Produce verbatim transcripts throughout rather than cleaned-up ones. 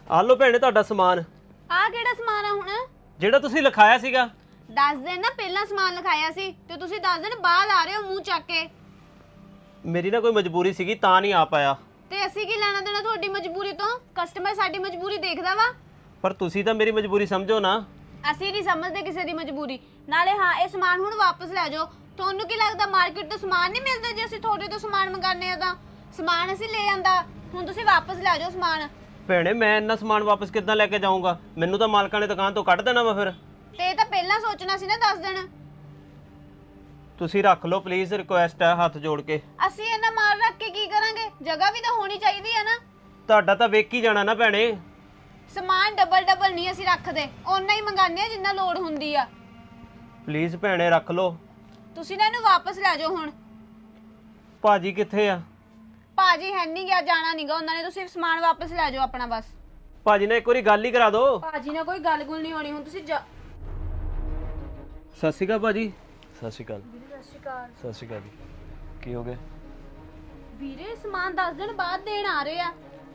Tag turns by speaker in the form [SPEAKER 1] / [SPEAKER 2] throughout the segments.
[SPEAKER 1] ਆ ਲਓ ਭੈਣੇ ਤੁਹਾਡਾ ਸਮਾਨ।
[SPEAKER 2] ਆ ਕਿਹੜਾ ਸਮਾਨ ਆ ਹੁਣ?
[SPEAKER 1] ਜਿਹੜਾ ਤੁਸੀਂ ਲਿਖਾਇਆ ਸੀਗਾ।
[SPEAKER 2] ਦਸ ਦਿਨ ਨਾ ਪਹਿਲਾਂ ਸਮਾਨ ਲਿਖਾਇਆ ਸੀ ਤੇ ਤੁਸੀਂ ਦਸ ਦਿਨ ਬਾਅਦ ਆ ਰਹੇ ਹੋ ਮੂੰਹ ਚੱਕ ਕੇ।
[SPEAKER 1] ਮੇਰੀ ਨਾ ਕੋਈ ਮਜਬੂਰੀ ਸੀਗੀ ਤਾਂ ਨਹੀਂ ਆ ਪਾਇਆ।
[SPEAKER 2] ਤੇ ਅਸੀਂ ਕੀ ਲੈਣਾ ਦੇਣਾ ਤੁਹਾਡੀ ਮਜਬੂਰੀ ਤੋਂ? ਕਸਟਮਰ ਸਾਡੀ ਮਜਬੂਰੀ ਦੇਖਦਾ ਵਾ।
[SPEAKER 1] ਪਰ ਤੁਸੀਂ ਤਾਂ ਮੇਰੀ ਮਜਬੂਰੀ ਸਮਝੋ ਨਾ।
[SPEAKER 2] ਅਸੀਂ ਨਹੀਂ ਸਮਝਦੇ ਕਿਸੇ ਦੀ ਮਜਬੂਰੀ। ਨਾਲੇ ਹਾਂ, ਇਹ ਸਮਾਨ ਹੁਣ ਵਾਪਸ ਲੈ ਜਾਓ। ਤੁਹਾਨੂੰ ਕੀ ਲੱਗਦਾ ਮਾਰਕੀਟ ਤੋਂ ਸਮਾਨ ਨਹੀਂ ਮਿਲਦਾ? ਜੇ ਅਸੀਂ ਤੁਹਾਡੇ ਤੋਂ ਸਮਾਨ ਮੰਗਾਨੇ ਆ ਤਾਂ ਸਮਾਨ ਅਸੀਂ ਲੈ ਆਂਦਾ। ਹੁਣ ਤੁਸੀਂ ਵਾਪਸ ਲੈ ਜਾਓ ਸਮਾਨ।
[SPEAKER 1] ਭੈਣੇ ਮੈਂ ਇੰਨਾ ਸਮਾਨ ਵਾਪਸ ਕਿੱਦਾਂ ਲੈ ਕੇ ਜਾਊਂਗਾ? ਮੈਨੂੰ ਤਾਂ ਮਾਲਕਾਂ ਨੇ ਦੁਕਾਨ ਤੋਂ ਕੱਢ ਦੇਣਾ ਵਾ ਫਿਰ।
[SPEAKER 2] ਤੇ ਇਹ ਤਾਂ ਪਹਿਲਾਂ ਸੋਚਣਾ ਸੀ ਨਾ ਦਸ ਦਿਨ।
[SPEAKER 1] ਤੁਸੀਂ ਰੱਖ ਲਓ ਪਲੀਜ਼, ਰਿਕੁਐਸਟ ਹੈ ਹੱਥ ਜੋੜ ਕੇ।
[SPEAKER 2] ਅਸੀਂ ਇਹਨਾਂ ਮਾਲ ਰੱਖ ਕੇ ਕੀ ਕਰਾਂਗੇ? ਜਗ੍ਹਾ ਵੀ ਤਾਂ ਹੋਣੀ ਚਾਹੀਦੀ ਹੈ ਨਾ।
[SPEAKER 1] ਤੁਹਾਡਾ ਤਾਂ ਵੇਖ ਹੀ ਜਾਣਾ ਨਾ ਭੈਣੇ।
[SPEAKER 2] ਸਮਾਨ ਡਬਲ ਡਬਲ ਨਹੀਂ ਅਸੀਂ ਰੱਖਦੇ, ਓਨਾ ਹੀ ਮੰਗਾਨੇ ਆ ਜਿੰਨਾ ਲੋੜ ਹੁੰਦੀ ਆ।
[SPEAKER 1] ਪਲੀਜ਼ ਭੈਣੇ ਰੱਖ ਲਓ।
[SPEAKER 2] ਤੁਸੀਂ ਨਾ ਇਹਨੂੰ ਵਾਪਸ ਲੈ ਜਾਓ ਹੁਣ।
[SPEAKER 1] ਭਾਜੀ ਕਿੱਥੇ ਆ?
[SPEAKER 2] ਭਾਜੀ ਹੈ ਨਹੀਂ ਗਿਆ, ਜਾਣਾ ਨਹੀਂਗਾ ਉਹਨਾਂ ਨੇ। ਤੁਸੀਂ ਸਮਾਨ ਵਾਪਸ ਲੈ ਜਾਓ ਆਪਣਾ ਬਸ।
[SPEAKER 1] ਭਾਜੀ ਨੇ ਇੱਕ ਵਾਰੀ ਗੱਲ ਹੀ ਕਰਾ ਦਿਓ।
[SPEAKER 2] ਭਾਜੀ ਨਾਲ ਕੋਈ ਗੱਲ ਗੁੱਲ ਨਹੀਂ ਹੋਣੀ। ਹੁਣ ਤੁਸੀਂ ਜਾ।
[SPEAKER 1] ਸਤਿ ਸ਼੍ਰੀ ਅਕਾਲ ਭਾਜੀ।
[SPEAKER 3] ਸਤਿ ਸ਼੍ਰੀ ਅਕਾਲ।
[SPEAKER 2] ਸਤਿ ਸ਼੍ਰੀ ਅਕਾਲ।
[SPEAKER 3] ਸਤਿ ਸ਼੍ਰੀ ਅਕਾਲ ਜੀ। ਕੀ ਹੋ ਗਿਆ?
[SPEAKER 2] ਵੀਰੇ ਸਮਾਨ ਦਸ ਦਿਨ ਬਾਅਦ ਦੇਣ ਆ ਰਹੇ ਆ।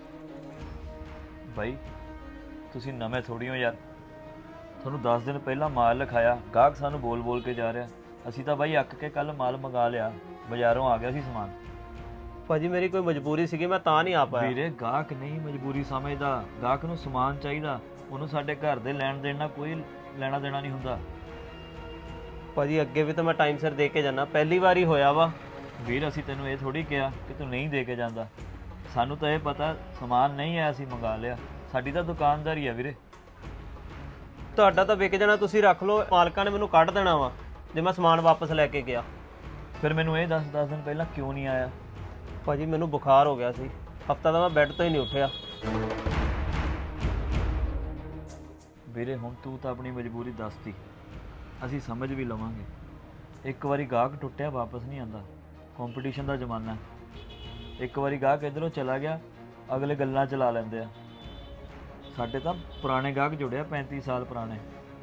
[SPEAKER 3] ਬਾਈ ਤੁਸੀਂ ਨਵੇਂ ਥੋੜੀ ਹੋ ਯਾਰ। ਤੁਹਾਨੂੰ ਦਸ ਦਿਨ ਪਹਿਲਾਂ ਮਾਲ ਲਿਖਾਇਆ, ਗਾਹਕ ਸਾਨੂੰ ਬੋਲ ਬੋਲ ਕੇ ਜਾ ਰਿਹਾ। ਅਸੀਂ ਤਾਂ ਬਾਈ ਅੱਕ ਕੇ ਕੱਲ ਮਾਲ ਮੰਗਾ ਲਿਆ, ਬਾਜ਼ਾਰੋਂ ਆ ਗਿਆ ਸੀ ਸਮਾਨ।
[SPEAKER 1] ਭਾਜੀ ਮੇਰੀ ਕੋਈ ਮਜਬੂਰੀ ਸੀਗੀ, ਮੈਂ ਤਾਂ ਨਹੀਂ ਆ ਪਾਇਆ।
[SPEAKER 3] ਵੀਰੇ ਗਾਹਕ ਨਹੀਂ ਮਜਬੂਰੀ ਸਮਝਦਾ, ਗਾਹਕ ਨੂੰ ਸਮਾਨ ਚਾਹੀਦਾ। ਉਹਨੂੰ ਸਾਡੇ ਘਰ ਦੇ ਲੈਣ ਦੇਣ ਨਾਲ ਕੋਈ ਲੈਣਾ ਦੇਣਾ ਨਹੀਂ ਹੁੰਦਾ।
[SPEAKER 1] ਭਾਜੀ ਅੱਗੇ ਵੀ ਤਾਂ ਮੈਂ ਟਾਈਮ ਸਿਰ ਦੇ ਕੇ ਜਾਣਾ, ਪਹਿਲੀ ਵਾਰ ਹੀ ਹੋਇਆ ਵਾ।
[SPEAKER 3] ਵੀਰ ਅਸੀਂ ਤੈਨੂੰ ਇਹ ਥੋੜੀ ਕਿਹਾ ਕਿ ਤੂੰ ਨਹੀਂ ਦੇ ਕੇ ਜਾਂਦਾ। ਸਾਨੂੰ ਤਾਂ ਇਹ ਪਤਾ ਸਮਾਨ ਨਹੀਂ ਆਇਆ, ਅਸੀਂ ਮੰਗਾ ਲਿਆ। ਸਾਡੀ ਤਾਂ ਦੁਕਾਨਦਾਰੀ ਆ ਵੀਰੇ।
[SPEAKER 1] ਤੁਹਾਡਾ ਤਾਂ ਵਿਕ ਜਾਣਾ, ਤੁਸੀਂ ਰੱਖ ਲਓ। ਮਾਲਕਾਂ ਨੇ ਮੈਨੂੰ ਕੱਢ ਦੇਣਾ ਵਾ ਜੇ ਮੈਂ ਸਮਾਨ ਵਾਪਸ ਲੈ ਕੇ ਗਿਆ।
[SPEAKER 3] ਫਿਰ ਮੈਨੂੰ ਇਹ ਦੱਸ ਦਸ ਦਿਨ ਪਹਿਲਾਂ ਕਿਉਂ ਨਹੀਂ ਆਇਆ?
[SPEAKER 1] ਭਾਜੀ ਮੈਨੂੰ ਬੁਖਾਰ ਹੋ ਗਿਆ ਸੀ, ਹਫਤਾ ਦਾ ਮੈਂ ਬੈੱਡ ਤੋਂ ਹੀ ਨਹੀਂ ਉੱਠਿਆ।
[SPEAKER 3] ਵੀਰੇ ਹੁਣ ਤੂੰ ਤਾਂ ਆਪਣੀ ਮਜਬੂਰੀ ਦੱਸਤੀ, ਅਸੀਂ ਸਮਝ ਵੀ ਲਵਾਂਗੇ। ਇੱਕ ਵਾਰੀ ਗਾਹਕ ਟੁੱਟਿਆ ਵਾਪਸ ਨਹੀਂ ਆਉਂਦਾ। ਕੰਪੀਟੀਸ਼ਨ ਦਾ ਜ਼ਮਾਨਾ ਹੈ। ਇੱਕ ਵਾਰੀ ਗਾਹਕ ਇੱਧਰੋਂ ਚਲਾ ਗਿਆ, ਅਗਲੇ ਗੱਲਾਂ ਚਲਾ ਲੈਂਦੇ ਆ। ਸਾਡੇ ਤਾਂ ਪੁਰਾਣੇ ਗਾਹਕ ਜੁੜਿਆ, ਪੈਂਤੀ ਸਾਲ ਪੁਰਾਣੇ।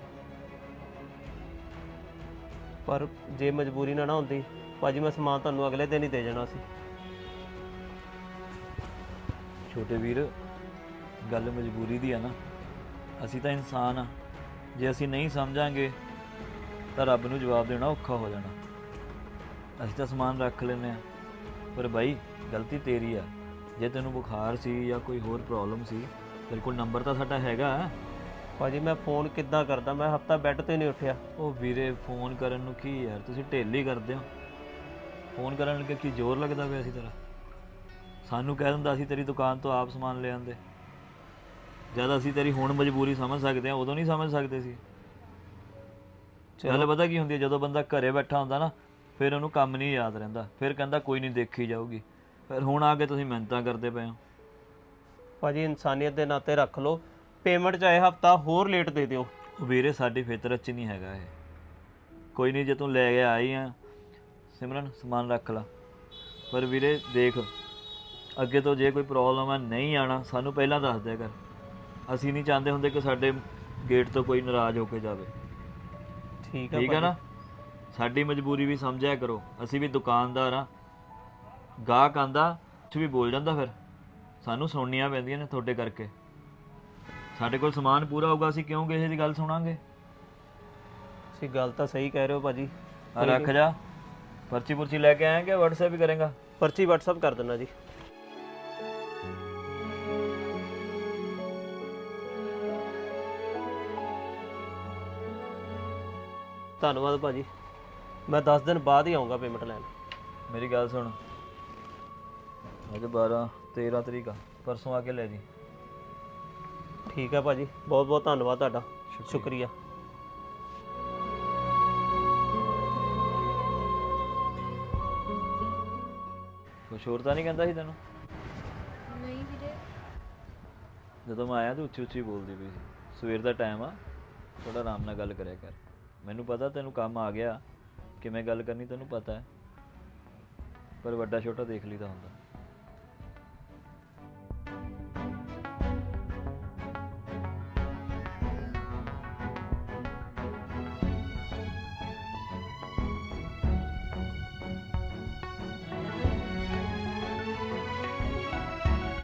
[SPEAKER 1] ਪਰ ਜੇ ਮਜਬੂਰੀ ਨਾ ਨਾ ਹੁੰਦੀ ਭਾਜੀ, ਮੈਂ ਸਮਾਨ ਤੁਹਾਨੂੰ ਅਗਲੇ ਦਿਨ ਹੀ ਦੇ ਜਾਣਾ ਸੀ।
[SPEAKER 3] ਛੋਟੇ ਵੀਰ ਗੱਲ ਮਜਬੂਰੀ ਦੀ ਆ ਨਾ। ਅਸੀਂ ਤਾਂ ਇਨਸਾਨ ਆ, ਜੇ ਅਸੀਂ ਨਹੀਂ ਸਮਝਾਂਗੇ ਤਾਂ ਰੱਬ ਨੂੰ ਜਵਾਬ ਦੇਣਾ ਔਖਾ ਹੋ ਜਾਣਾ। ਅਸੀਂ ਤਾਂ ਸਮਾਨ ਰੱਖ ਲੈਂਦੇ ਆ, ਪਰ ਬਾਈ ਗਲਤੀ ਤੇਰੀ ਆ। ਜੇ ਤੈਨੂੰ ਬੁਖਾਰ ਸੀ ਜਾਂ ਕੋਈ ਹੋਰ ਪ੍ਰੋਬਲਮ ਸੀ, ਤੇਰੇ ਕੋਲ ਨੰਬਰ ਤਾਂ ਸਾਡਾ ਹੈਗਾ।
[SPEAKER 1] ਭਾਜੀ ਮੈਂ ਫੋਨ ਕਿੱਦਾਂ ਕਰਦਾ? ਮੈਂ ਹਫਤਾ ਬੈੱਡ ਤੋਂ ਹੀ ਨਹੀਂ ਉੱਠਿਆ।
[SPEAKER 3] ਉਹ ਵੀਰੇ ਫੋਨ ਕਰਨ ਨੂੰ ਕੀ ਯਾਰ, ਤੁਸੀਂ ਢਿੱਲ ਹੀ ਕਰਦੇ ਹੋ। ਫੋਨ ਕਰਨ ਲੱਗੇ ਕੀ ਜ਼ੋਰ ਲੱਗਦਾ ਪਿਆ ਸੀ ਤੇਰਾ? ਸਾਨੂੰ ਕਹਿ ਦਿੰਦਾ ਅਸੀਂ ਤੇਰੀ ਦੁਕਾਨ ਤੋਂ ਆਪ ਸਮਾਨ ਲੈ ਆਂਦੇ। ਜਦ ਅਸੀਂ ਤੇਰੀ ਹੁਣ ਮਜਬੂਰੀ ਸਮਝ ਸਕਦੇ ਹਾਂ, ਉਦੋਂ ਨਹੀਂ ਸਮਝ ਸਕਦੇ ਸੀ। ਗੱਲ ਪਤਾ ਕੀ ਹੁੰਦੀ ਹੈ, ਜਦੋਂ ਬੰਦਾ ਘਰੇ ਬੈਠਾ ਹੁੰਦਾ ਨਾ, ਫਿਰ ਉਹਨੂੰ ਕੰਮ ਨਹੀਂ ਯਾਦ ਰਹਿੰਦਾ। ਫਿਰ ਕਹਿੰਦਾ ਕੋਈ ਨਹੀਂ ਦੇਖੀ ਜਾਊਗੀ। ਫਿਰ ਹੁਣ ਆ ਕੇ ਤੁਸੀਂ ਮਿਹਨਤਾਂ ਕਰਦੇ ਪਏ ਹੋ।
[SPEAKER 1] ਭਾਜੀ ਇਨਸਾਨੀਅਤ ਦੇ ਨਾਤੇ ਰੱਖ ਲਓ, ਪੇਮੈਂਟ ਚਾਹੇ ਹਫਤਾ ਹੋਰ ਲੇਟ ਦੇ ਦਿਓ।
[SPEAKER 3] ਉਹ ਵੀਰੇ ਸਾਡੀ ਫਿਤਰਤ 'ਚ ਨਹੀਂ ਹੈਗਾ ਇਹ। ਕੋਈ ਨਹੀਂ, ਜੇ ਤੂੰ ਲੈ ਕੇ ਆਈ ਆ ਸਿਮਰਨ ਸਮਾਨ ਰੱਖ ਲਾ। ਪਰ ਵੀਰੇ ਦੇਖ, ਅੱਗੇ ਤੋਂ ਜੇ ਕੋਈ ਪ੍ਰੋਬਲਮ ਆ ਨਹੀਂ ਆਣਾ, ਸਾਨੂੰ ਪਹਿਲਾਂ ਦੱਸ ਦਿਆ ਕਰ। ਅਸੀਂ ਨਹੀਂ ਚਾਹੁੰਦੇ ਹੁੰਦੇ ਕਿ ਸਾਡੇ ਗੇਟ ਤੋਂ ਕੋਈ ਨਾਰਾਜ਼ ਹੋ ਕੇ ਜਾਵੇ।
[SPEAKER 1] ਠੀਕ ਹੈ
[SPEAKER 3] ਠੀਕ ਹੈ ਨਾ? ਸਾਡੀ ਮਜਬੂਰੀ ਵੀ ਸਮਝਿਆ ਕਰੋ। ਅਸੀਂ ਵੀ ਦੁਕਾਨਦਾਰ ਆ। ਗਾਹਕ ਆਂਦਾ ਕੁਛ ਵੀ ਬੋਲ ਜਾਂਦਾ, ਫਿਰ ਸਾਨੂੰ ਸੁਣਨੀਆਂ ਪੈਂਦੀਆਂ ਨੇ ਤੁਹਾਡੇ ਕਰਕੇ। ਸਾਡੇ ਕੋਲ ਸਮਾਨ ਪੂਰਾ ਹੋਊਗਾ, ਅਸੀਂ ਕਿਉਂ ਕਿਸੇ ਦੀ ਗੱਲ ਸੁਣਾਂਗੇ?
[SPEAKER 1] ਤੁਸੀਂ ਗੱਲ ਤਾਂ ਸਹੀ ਕਹਿ ਰਹੇ ਹੋ ਭਾਜੀ।
[SPEAKER 3] ਆ ਰੱਖ ਜਾ, ਪਰਚੀ ਪੁਰਚੀ ਲੈ ਕੇ ਆਏਂਗੇ, WhatsApp ਵੀ ਕਰੇਗਾ?
[SPEAKER 1] ਪਰਚੀ WhatsApp ਕਰ ਦੇਣਾ ਜੀ। ਧੰਨਵਾਦ ਭਾਜੀ, ਮੈਂ ਦਸ ਦਿਨ ਬਾਅਦ ਹੀ ਆਉਂਗਾ ਪੇਮੈਂਟ ਲੈਣ।
[SPEAKER 3] ਮੇਰੀ ਗੱਲ ਸੁਣ, ਅੱਜ ਬਾਰਾਂ ਤੇਰਾਂ ਤਰੀਕ ਆ, ਪਰਸੋਂ ਆ ਕੇ ਲੈ ਜੀ।
[SPEAKER 1] ਠੀਕ ਹੈ ਭਾਜੀ, ਬਹੁਤ ਬਹੁਤ ਧੰਨਵਾਦ ਤੁਹਾਡਾ, ਸ਼ੁਕਰੀਆ।
[SPEAKER 3] ਕੁਛ ਹੋਰ ਤਾਂ ਨਹੀਂ ਕਹਿੰਦਾ ਸੀ ਤੈਨੂੰ?
[SPEAKER 2] ਨਹੀਂ ਵੀਰੇ।
[SPEAKER 3] ਜਦੋਂ ਮੈਂ ਆਇਆ ਤੂੰ ਉੱਚੀ ਉੱਚੀ ਬੋਲਦੀ ਪਈ ਸੀ। ਸਵੇਰ ਦਾ ਟਾਈਮ ਆ, ਥੋੜਾ ਆਰਾਮ ਨਾਲ ਗੱਲ ਕਰਿਆ ਕਰ। ਮੈਨੂੰ ਪਤਾ ਤੈਨੂੰ ਕੰਮ ਆ ਗਿਆ, ਕਿਵੇਂ ਗੱਲ ਕਰਨੀ ਤੈਨੂੰ ਪਤਾ ਹੈ, ਪਰ ਵੱਡਾ ਛੋਟਾ ਦੇਖ ਲਈਦਾ ਹੁੰਦਾ।